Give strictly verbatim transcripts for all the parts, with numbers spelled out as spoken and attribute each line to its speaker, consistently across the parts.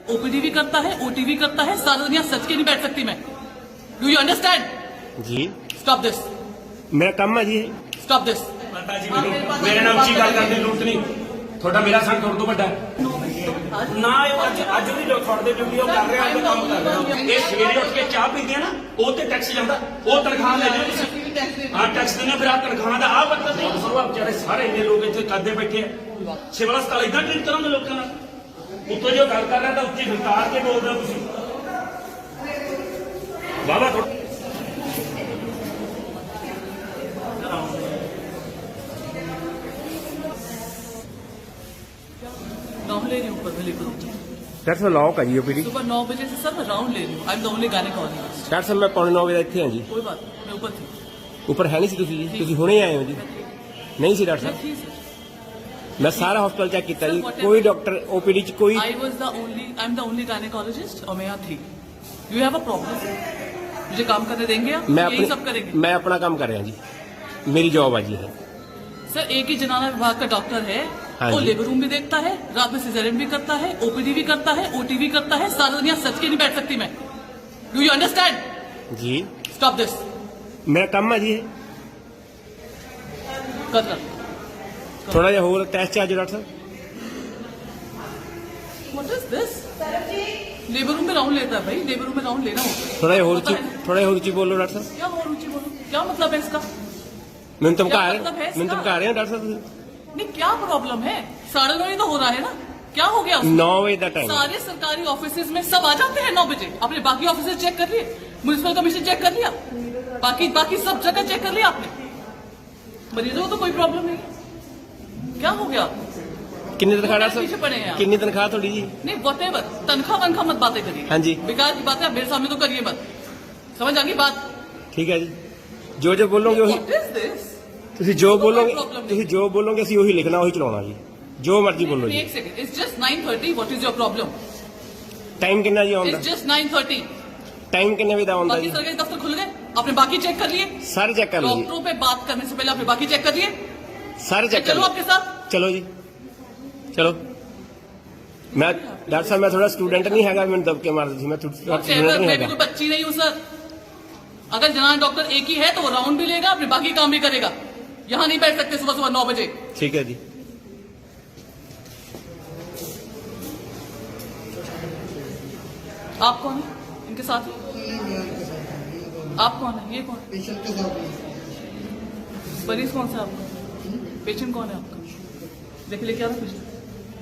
Speaker 1: OPD भी करता है, ओटी भी करता है। सारा दुनिया सच के नहीं बैठ सकती मैं। Do you understand?
Speaker 2: जी
Speaker 1: स्टॉप दिस,
Speaker 2: मेरा काम है जी।
Speaker 1: Stop this.
Speaker 3: माता जी ਮੈਨੂੰ ਮੇਰੇ ਨਾਲ ਉੱਚੀ ਗੱਲ ਕਰਨ ਦੀ ਜ਼ਰੂਰਤ ਨਹੀਂ। ਤੁਹਾਡਾ ਮੇਰਾ ਸੰਗ ਤੁਹਾਡੇ ਤੋਂ ਵੱਡਾ ਨਾ ਇਹ ਅੱਜ ਅੱਜ ਦੀ ਜੋ ਤੁਹਾਡੇ ਡਿਊਟੀ ਉਹ ਕਰ ਰਿਹਾ ਉਹ ਕੰਮ ਕਰ ਰਿਹਾ। ਇਹ ਸਵੇਰੇ ਉੱਠ ਕੇ ਚਾਹ ਪੀਂਦੇ ਆ ਨਾ ਉਹ ਤੇ ਟੈਕਸ ਜਾਂਦਾ, ਉਹ ਤਨਖਾਹ ਲੈ ਲਿਓ ਤੁਸੀਂ। ਹਾਂ ਟੈਕਸ ਦਿੰਦੇ ਫਿਰ ਆ ਤਨਖਾਹ ਦਾ ਆ ਮਤਲਬ ਨਹੀਂ। ਸਰਵਾ ਵਿਚਾਰੇ ਸਾਰੇ ਇੰਨੇ ਲੋਕ ਇੱਥੇ ਕਰਦੇ ਬੈਠੇ ਆ। ਸਿਵਲ ਹਸਪਤਾਲ ਇਦਾਂ ਟ੍ਰੀਟ ਕਰਾਂਗੇ ਲੋਕਾਂ ਨਾਲ। ਉੱਤੋਂ ਜੋ ਗੱਲ ਕਰ ਰਿਹਾ ਤਾਂ ਉੱਚੀ ਹੰਕਾਰ ਕੇ ਬੋਲਦੇ ਹੋ ਤੁਸੀਂ। ਵਾਵਾ
Speaker 1: राउंड ले रही हूँ ऊपर में लेकर
Speaker 2: डॉक्टर साहब लॉक है जी ओपीडी।
Speaker 1: सुबह नौ बजे से सर मैं राउंड ले रही हूँ। I am the only gynaecologist.
Speaker 2: Doctor साहब मैं पौने नौ बजे ਇੱਥੇ ਹਾਂ ਜੀ।
Speaker 1: कोई बात नहीं, मैं ऊपर थी।
Speaker 2: ਉੱਪਰ ਹੈ ਨਹੀਂ ਸੀ ਤੁਸੀਂ ਜੀ? ਤੁਸੀਂ ਹੁਣੇ ਆਏ ਹੋ ਜੀ? ਨਹੀਂ ਸੀ डॉक्टर साहब?
Speaker 1: थी सर।
Speaker 2: मैं सारा हॉस्पिटल चेक किया जी, कोई डॉक्टर ओपीडी च कोई।
Speaker 1: I was the only I am the only gynaecologist और मैं यहाँ थी। You have a problem? मुझे काम करने देंगे आप?
Speaker 2: मैं
Speaker 1: यही सब करेंगे?
Speaker 2: मैं अपना काम कर रहा जी, मेरी जॉब है जी। है
Speaker 1: सर एक ही जनाना विभाग का डॉक्टर है।
Speaker 2: हाँ
Speaker 1: वो
Speaker 2: जी।
Speaker 1: लेबर रूम भी देखता है, रात में सिजेरियन भी करता है, ओपीडी भी करता है, ओटी भी करता है। सारा दुनिया सच के नहीं बैठ सकती मैं। Do you understand?
Speaker 2: जी
Speaker 1: स्टॉप दिस।
Speaker 2: मेरा काम है जी।
Speaker 1: कर रहा
Speaker 2: थोड़ा जिहा होर टेस्ट चार्ज डॉक्टर साहब।
Speaker 1: What is this? Labour room में राउंड लेता है भाई, लेबर रूम में राउंड लेना होता है।
Speaker 2: थोड़ा जिहा होर
Speaker 1: पता
Speaker 2: ऊंची
Speaker 1: है?
Speaker 2: थोड़ा जिहा होर ऊंची बोलो डॉक्टर साहब।
Speaker 1: क्या और ऊंची बोलो? क्या मतलब है इसका?
Speaker 2: मैंने धमका
Speaker 1: क्या
Speaker 2: रहे
Speaker 1: मतलब है इसका?
Speaker 2: मैंने धमका रहे हैं डॉक्टर साहब।
Speaker 1: नहीं क्या प्रॉब्लम है? साढ़े नौ ही तो हो रहा है ना, क्या हो गया उसको?
Speaker 2: नौ बजे का टाइम।
Speaker 1: सारे सरकारी ऑफिसेज में सब आ जाते हैं नौ बजे। आपने बाकी ऑफिसेज चेक कर लिए, म्युनिसिपल कमीशन चेक कर लिया, बाकी बाकी सब जगह चेक कर लिया आपने? मरीजों को तो कोई प्रॉब्लम नहीं। क्या हो गया?
Speaker 2: कितनी तनख्वाह डॉक्टर
Speaker 1: पीछे पड़े हैं
Speaker 2: साहब?
Speaker 1: आप।
Speaker 2: कितनी तनख्वाह थोड़ी जी?
Speaker 1: नहीं वटेवर, तनख्वाह वनख्वाह मत बातें करिए।
Speaker 2: हाँ जी।
Speaker 1: बेकार की बातें आप मेरे सामने तो करिए मत। समझ आ गई बात?
Speaker 2: ठीक है जी, जो जो बोलोगे वही
Speaker 1: What is this?
Speaker 2: ਤੁਸੀਂ ਜੋ
Speaker 1: ਕੋਈ
Speaker 2: ਬੋਲੋਗੇ
Speaker 1: problem ਨਹੀਂ।
Speaker 2: ਤੁਸੀਂ ਜੋ ਬੋਲੋਗੇ ਅਸੀਂ ਉਹੀ ਲਿਖਣਾ ਉਹੀ ਚਲਾਉਣਾ ਜੀ, ਜੋ ਮਰਜ਼ੀ ਬੋਲੋ ਜੀ।
Speaker 1: एक second, it's just nine thirty. What is your problem?
Speaker 2: Time ਕਿੰਨਾ ਜੀ ਆਉਂਦਾ?
Speaker 1: It's just nine thirty.
Speaker 2: Time कितने बजे आਉਂਦਾ
Speaker 1: बाकी
Speaker 2: जी?
Speaker 1: सरकारी दफ्तर खुल गए? आपने बाकी चेक कर लिए?
Speaker 2: सारे चेक कर लो जी,
Speaker 1: डॉक्टरों पे बात करने से पहले आपने बाकी चेक कर लिए?
Speaker 2: सारे चेक कर
Speaker 1: चलो
Speaker 2: लो।
Speaker 1: आपके साथ।
Speaker 2: चलो जी चलो। मैं डॉक्टर साहब मैं थोड़ा स्टूडेंट नहीं हैगा, मैंने दबके मार दी थी। मैं स्टूडेंट
Speaker 1: Whatever,
Speaker 2: नहीं
Speaker 1: मैं भी
Speaker 2: हैगा।
Speaker 1: कोई बच्ची नहीं हूँ सर। अगर जनाना डॉक्टर एक ही है तो वो राउंड भी लेगा, अपने बाकी काम भी करेगा। यहाँ नहीं बैठ सकते सुबह सुबह नौ बजे।
Speaker 2: ठीक है जी।
Speaker 1: आप कौन है इनके साथ? आप कौन है? ये कौन?
Speaker 4: पेशेंट के साथ
Speaker 1: मरीज कौन सा है आपका? पेशेंट कौन है आपका? देख ले क्या था patient?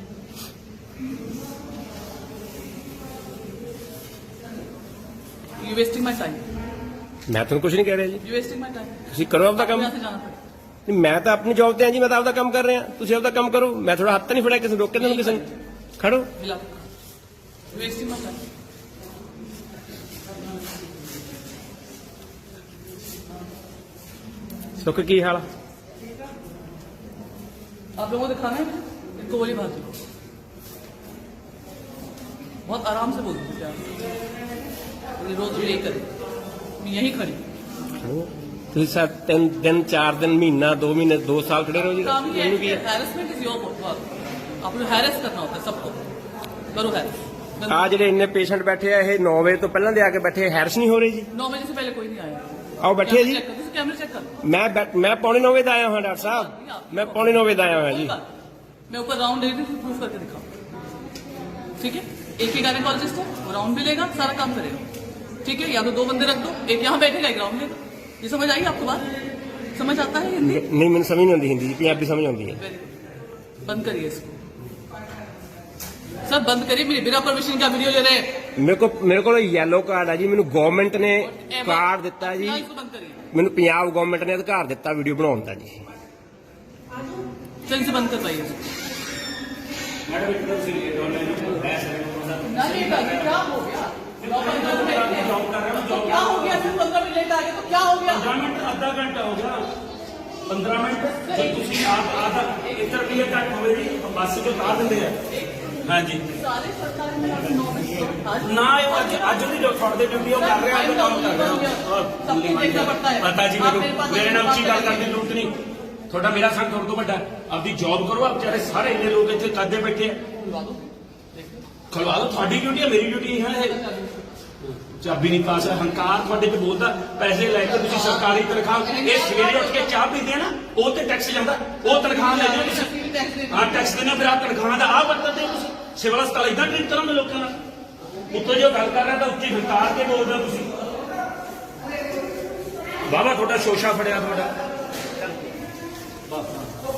Speaker 1: You wasting my time.
Speaker 2: मैं तो कुछ नहीं कह रहा जी,
Speaker 1: यू वेस्टिंग माई टाइम।
Speaker 2: ਤੁਸੀਂ ਕਰੋ ਆਪਦਾ ਕੰਮ।
Speaker 1: यहाँ से जाना पड़ेगा।
Speaker 2: ਨਹੀਂ, ਮੈਂ ਤਾਂ ਆਪਣੀ ਜੌਬ ਤੇ ਹਾਂ ਜੀ, ਮੈਂ ਤਾਂ ਆਪਦਾ ਕੰਮ ਕਰ ਰਿਹਾ। ਤੁਸੀਂ ਆਪਦਾ ਕੰਮ ਕਰੋ, ਮੈਂ ਥੋੜਾ ਹੱਥ ਤਾਂ ਨਹੀਂ ਫੜਿਆ ਕਿਸੇ ਨੂੰ, ਰੋਕੇ ਤੁਹਾਨੂੰ ਕਿਸੇ ਨੂੰ। ਖੜੋ।
Speaker 1: हिला वेस्टिंग माई टाइम।
Speaker 2: सुख की हाल?
Speaker 1: आप लोगों को दिखाना है इनको गोली मार दो। बहुत आराम से बोल दो क्या रोज यही करे, मैं यही खड़ी।
Speaker 2: ਤੁਸੀਂ ਸਾ ਤਿੰਨ ਦਿਨ ਚਾਰ ਦਿਨ ਮਹੀਨਾ ਦੋ ਮਹੀਨੇ ਦੋ ਸਾਲ ਖੜੇ ਰਹੋ ਜੀ।
Speaker 1: काम ही
Speaker 2: ਮੈਨੂੰ ਕੀ
Speaker 1: है,
Speaker 2: ਹੈ?
Speaker 1: Harassment is your work. आपको हैरेस करना होता है सबको। करो हैरेस।
Speaker 2: ਆ ਜਿਹੜੇ ਇੰਨੇ ਪੇਸ਼ੈਂਟ ਬੈਠੇ ਆ ਇਹ ਨੌ ਵਜੇ ਤੋਂ ਪਹਿਲਾਂ ਦੇ ਆ ਕੇ ਬੈਠੇ, ਹੈਰਸ ਨਹੀਂ ਹੋ ਰਹੀ ਜੀ?
Speaker 1: नौ बजे से पहले कोई नहीं आया।
Speaker 2: ਆਓ ਬੈਠੇ ਜੀ।
Speaker 1: चेक कर, कैमरे चेक कर।
Speaker 2: मैं बैठ- मैं पौने नौ बजे आया हूँ डॉक्टर साहब, मैं पौने नौ बजे आया हूँ जी।
Speaker 1: मैं ऊपर राउंड ले रही थी, प्रूफ करके दिखाओ। ठीक है, एक ही गायनेकोलॉजिस्ट है, वो राउंड भी लेगा, सारा काम करेगा। ठीक है, या तो दो बंदे रख दो, एक यहाँ बैठेगा एक राउंड लेगा। ये समझ आई आपको बात? समझ आता है हिंदी?
Speaker 2: नहीं मैंने समझ नहीं आती हिंदी जी, पंजाबी समझ आती है।
Speaker 1: वेरी गुड, बंद करिए इसको सर, बंद करिए। मेरे बिना परमिशन का वीडियो ले रहे हैं।
Speaker 2: मेरे को मेरे को येलो कार्ड है जी, मैंने गवर्नमेंट ने
Speaker 1: Whatever.
Speaker 2: कार्ड दिता जी,
Speaker 1: ना इसको बंद करिए।
Speaker 2: मैंने पंजाब गवर्नमेंट ने अधिकार दिता वीडियो बनाने का जी।
Speaker 1: चल इसे बंद करवाइए इसको।
Speaker 3: ਮੈਡਮ ਇੱਕ ਤਾਂ ਤੁਸੀਂ ਲੇਟ ਆਉਣੇ ਨੂੰ ਹੈ ਸਾਰੇ
Speaker 1: ना लेट आ गए, क्या हो गया? नौ पंद्रह मिनट लेट है।
Speaker 3: जॉब कर रहे हो,
Speaker 1: तो क्या हो गया? फिर पंद्रह मिनट लेट आ गए तो क्या हो गया?
Speaker 3: पंद्रह मिनट आधा घंटा हो गया। पंद्रह मिनट जब ਤੁਸੀਂ ਆਪ ਆधा ਇੱਕ ਰੁਪਏ ਘੱਟ ਹੋਵੇ ਜੀ ਬੱਸ ਚੋਂ ਉਤਾਰ ਦਿੰਦੇ ਆ। हाँ जी
Speaker 1: सारे सरकारी में आपने नौ बजे आज
Speaker 3: ना ਇਹ ਅੱਜ ਅੱਜ ਦੀ ਜੋ ਤੁਹਾਡੇ ਡਿਊਟੀ ਉਹ ਕਰ ਰਿਹਾ ਉਹ ਕੰਮ ਕਰ ਰਿਹਾ।
Speaker 1: सबको देखना पड़ता है।
Speaker 3: ਮਾਤਾ ਜੀ
Speaker 1: आप
Speaker 3: ਮੈਨੂੰ
Speaker 1: मेरे पास
Speaker 3: ਮੇਰੇ ਨਾਲ ਉੱਚੀ ਗੱਲ
Speaker 1: आके
Speaker 3: ਕਰਨ ਦੀ ਜ਼ਰੂਰਤ ਨਹੀਂ। ਤੁਹਾਡਾ ਮੇਰਾ ਸੰਗ ਤੁਹਾਡੇ ਤੋਂ ਵੱਡਾ। ਆਪਦੀ ਜੌਬ ਕਰੋ, ਆਪ ਵਿਚਾਰੇ ਸਾਰੇ ਇੰਨੇ ਲੋਕ ਇੱਥੇ ਕਰਦੇ ਬੈਠੇ ਆ।
Speaker 1: बुलवा दो, देखो।
Speaker 3: ਖਲਵਾ ਲਓ, ਤੁਹਾਡੀ ਡਿਊਟੀ ਹੈ, ਮੇਰੀ ਡਿਊਟੀ ਹੈ ਇਹ। ਚਾਬੀ ਨਹੀਂ ਪਾਸ ਹੈ, ਹੰਕਾਰ ਤੁਹਾਡੇ ਤੇ ਬੋਲਦਾ, ਪੈਸੇ ਲੈ ਕੇ ਤੁਸੀਂ ਸਰਕਾਰੀ ਤਨਖਾਹ, ਇਹ ਸਵੇਰੇ ਉੱਠ ਕੇ ਚਾਹ ਪੀਂਦੇ ਆ ਨਾ, ਉਹ ਤੇ ਟੈਕਸ ਜਾਂਦਾ, ਉਹ ਤਨਖਾਹ ਲੈ ਜਾਓ ਤੁਸੀਂ। ਹਾਂ ਟੈਕਸ ਦੇਣਾ, ਫਿਰ ਆਹ ਤਨਖਾਹ ਦਾ ਆਹ ਵਰਤਦੇ ਹੋ ਤੁਸੀਂ। ਸਿਵਲ ਹਸਪਤਾਲ ਇਦਾਂ ਟ੍ਰੀਟ ਕਰੋਗੇ ਲੋਕਾਂ ਨਾਲ? ਉੱਤੋਂ ਜੋ ਗੱਲ ਕਰ ਰਿਹਾ ਤਾਂ ਉੱਚੀ ਹੰਕਾਰ ਕੇ ਬੋਲਦੇ ਹੋ ਤੁਸੀਂ। ਬਾਬਾ ਤੁਹਾਡਾ ਸ਼ੋਸ਼ਾ ਫੜਿਆ ਤੁਹਾਡਾ।